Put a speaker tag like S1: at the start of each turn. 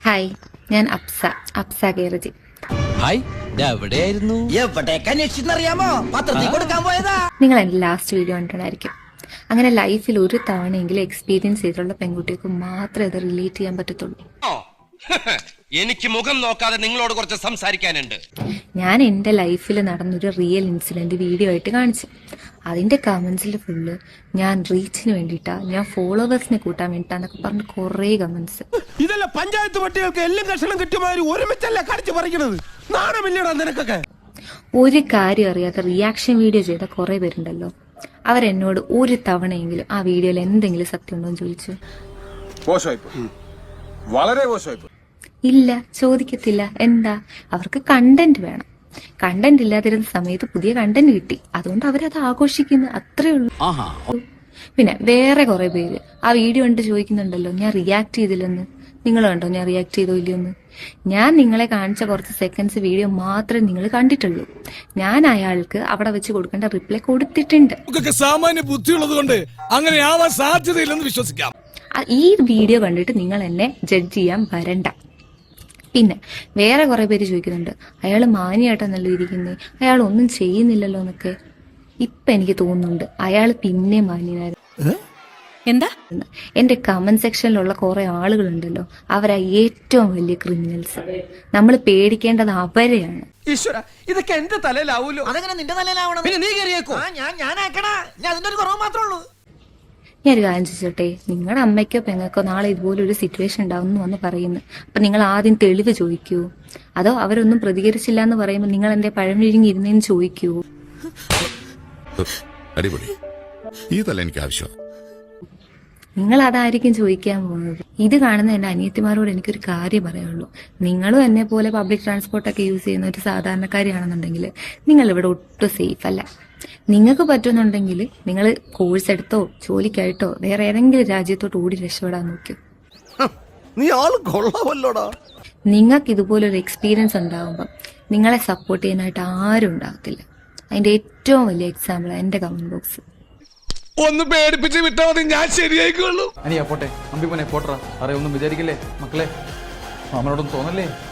S1: Hi, ഞാൻ അപ്സ കേരജി.
S2: Hi, എവിടെയായിരുന്നു?
S1: നിങ്ങൾ എന്റെ ലാസ്റ്റ് വീഡിയോ കണ്ടിട്ടുണ്ടായിരിക്കും. അങ്ങനെ ലൈഫിൽ ഒരു തവണയെങ്കിലും എക്സ്പീരിയൻസ് ചെയ്തിട്ടുള്ള പെൺകുട്ടികൾക്ക് മാത്രമേ ഇത് റിലേറ്റ് ചെയ്യാൻ പറ്റത്തുള്ളൂ.
S2: എനിക്ക് മുഖം നോക്കാതെ നിങ്ങളോട് കുറച്ച് സംസാരിക്കാനുണ്ട്.
S1: ഞാൻ എന്റെ ലൈഫിൽ നടന്നൊരു റിയൽ ഇൻസിഡന്റ് വീഡിയോ ആയിട്ട് കാണിച്ചു. അതിന്റെ കമന്റ്സിൽ ഫുള്ള് ഞാൻ റീച്ചിന് വേണ്ടിയിട്ടാ, ഞാൻ ഫോളോവേഴ്സിനെ കൂട്ടാൻ വേണ്ടിട്ടാന്നൊക്കെ പറഞ്ഞ് കുറെ കമന്റ്സ്.
S3: ഇതല്ല പഞ്ചായത്ത് പട്ടികൾക്ക് എല്ലാം കഷണം കിട്ടിയമാതിരി ഒരുമിച്ചല്ല കടിച്ചു പറിക്കണത്. നാണമില്ലടാ നിനക്കൊക്കെ.
S1: ഒരു കാര്യം അറിയാത്ത റിയാക്ഷൻ വീഡിയോ ചെയ്ത കുറെ പേരുണ്ടല്ലോ, അവരെന്നോട് ഒരു തവണയെങ്കിലും ആ വീഡിയോയിൽ എന്തെങ്കിലും സത്യം ഉണ്ടോ എന്ന് ചോദിച്ചു.
S3: വളരെ മോശമായി.
S1: ഇല്ല, ചോദിക്കത്തില്ല. എന്താ, അവർക്ക് കണ്ടന്റ് വേണം. കണ്ടന്റ് ഇല്ലാതിരുന്ന സമയത്ത് പുതിയ കണ്ടന്റ് കിട്ടി, അതുകൊണ്ട് അവരത് ആഘോഷിക്കുന്നു, അത്രേ ഉള്ളൂ. പിന്നെ വേറെ കുറെ പേര് ആ വീഡിയോ കണ്ട് ചോദിക്കുന്നുണ്ടല്ലോ ഞാൻ റിയാക്ട് ചെയ്തില്ലെന്ന്. നിങ്ങൾ കണ്ടോ ഞാൻ റിയാക്ട് ചെയ്തോ ഇല്ലയോന്ന്? ഞാൻ നിങ്ങളെ കാണിച്ച കുറച്ച് സെക്കൻഡ്സ് വീഡിയോ മാത്രമേ നിങ്ങൾ കണ്ടിട്ടുള്ളൂ. ഞാൻ അയാൾക്ക് അവിടെ വെച്ച് കൊടുക്കേണ്ട റിപ്ലൈ കൊടുത്തിട്ടുണ്ട്.
S3: സാമാന്യ ബുദ്ധിയുള്ളത് കൊണ്ട് അങ്ങനെ ആവാൻ സാധ്യതയില്ലെന്ന് വിശ്വസിക്കാം.
S1: ഈ വീഡിയോ കണ്ടിട്ട് നിങ്ങൾ എന്നെ ജഡ്ജ് ചെയ്യാൻ വരണ്ട. പിന്നെ വേറെ കുറെ പേര് ചോദിക്കുന്നുണ്ട്, അയാൾ മാന്യായിട്ടാണല്ലോ ഇരിക്കുന്നത്, അയാൾ ഒന്നും ചെയ്യുന്നില്ലല്ലോ എന്നൊക്കെ. ഇപ്പൊ എനിക്ക് തോന്നുന്നുണ്ട് അയാൾ പിന്നെ മാന്യനായിരുന്നു.
S4: എന്താ?
S1: എന്റെ കമന്റ് സെക്ഷനിലുള്ള കുറെ ആളുകളുണ്ടല്ലോ, അവരാ ഏറ്റവും വലിയ ക്രിമിനൽസ്. നമ്മൾ പേടിക്കേണ്ടത് അവരെയാണ്.
S5: ഈശ്വര, ഇതൊക്കെ എന്റെ തലയിലാവൂലോ. അതെങ്ങനെ നിന്റെ തലയിലാവണം? പിന്നെ നീ കയറിയേക്കോ? ഞാനാക്കണ, ഞാൻ അതിന്റെ ഒരു കുറവ് മാത്രമേ ഉള്ളൂ.
S1: ഞാനൊരു കാര്യം ചോദിച്ചോട്ടെ, നിങ്ങളുടെ അമ്മയ്ക്കോ പെങ്ങൾക്കോ നാളെ ഇതുപോലെ ഒരു സിറ്റുവേഷൻ ഉണ്ടാവും വന്ന് പറയുന്നു, അപ്പൊ നിങ്ങൾ ആദ്യം തെളിവ് ചോദിക്കൂ? അതോ അവരൊന്നും പ്രതികരിച്ചില്ല എന്ന് പറയുമ്പോൾ നിങ്ങൾ എന്റെ പഴമിഴിഞ്ഞിരുന്നേന്ന് ചോദിക്കൂ?
S6: അടിപൊളി, ഇതല്ല എനിക്ക് ആവശ്യം.
S1: നിങ്ങൾ അതായിരിക്കും ചോദിക്കാൻ പോകുന്നത്. ഇത് കാണുന്ന എന്റെ അനിയത്തിമാരോട് എനിക്കൊരു കാര്യം പറയുള്ളൂ, നിങ്ങളും എന്നെ പോലെ പബ്ലിക് ട്രാൻസ്പോർട്ടൊക്കെ യൂസ് ചെയ്യുന്ന ഒരു സാധാരണക്കാരിയാണെന്നുണ്ടെങ്കിൽ നിങ്ങൾ ഇവിടെ ഒട്ടും സേഫ് അല്ല. നിങ്ങൾക്ക് പറ്റുന്നുണ്ടെങ്കിൽ നിങ്ങൾ കോഴ്സ് എടുത്തോ ജോലിക്കായിട്ടോ വേറെ ഏതെങ്കിലും രാജ്യത്തോട്ട് ഓടി രക്ഷപ്പെടാൻ നോക്കൂ.
S3: നീ ആള് കൊള്ളാമല്ലോടാ.
S1: നിങ്ങൾക്ക് ഇതുപോലൊരു എക്സ്പീരിയൻസ് ഉണ്ടാകുമ്പോൾ നിങ്ങളെ സപ്പോർട്ട് ചെയ്യാനായിട്ട് ആരും ഉണ്ടാകത്തില്ല. അതിന്റെ ഏറ്റവും വലിയ എക്സാമ്പിൾ എന്റെ കമന്റ് ബോക്സ്.
S3: ഒന്ന് പേടിപ്പിച്ച് വിട്ടാൽ മതി, ഞാൻ ശരിയായിക്കോളൂ.
S7: അനിയാ പോട്ടെ, അമ്പിമോനെ പോട്ടറ. അറിയൊന്നും വിചാരിക്കില്ലേ മക്കളെ, മാമനോടൊന്നും തോന്നല്ലേ?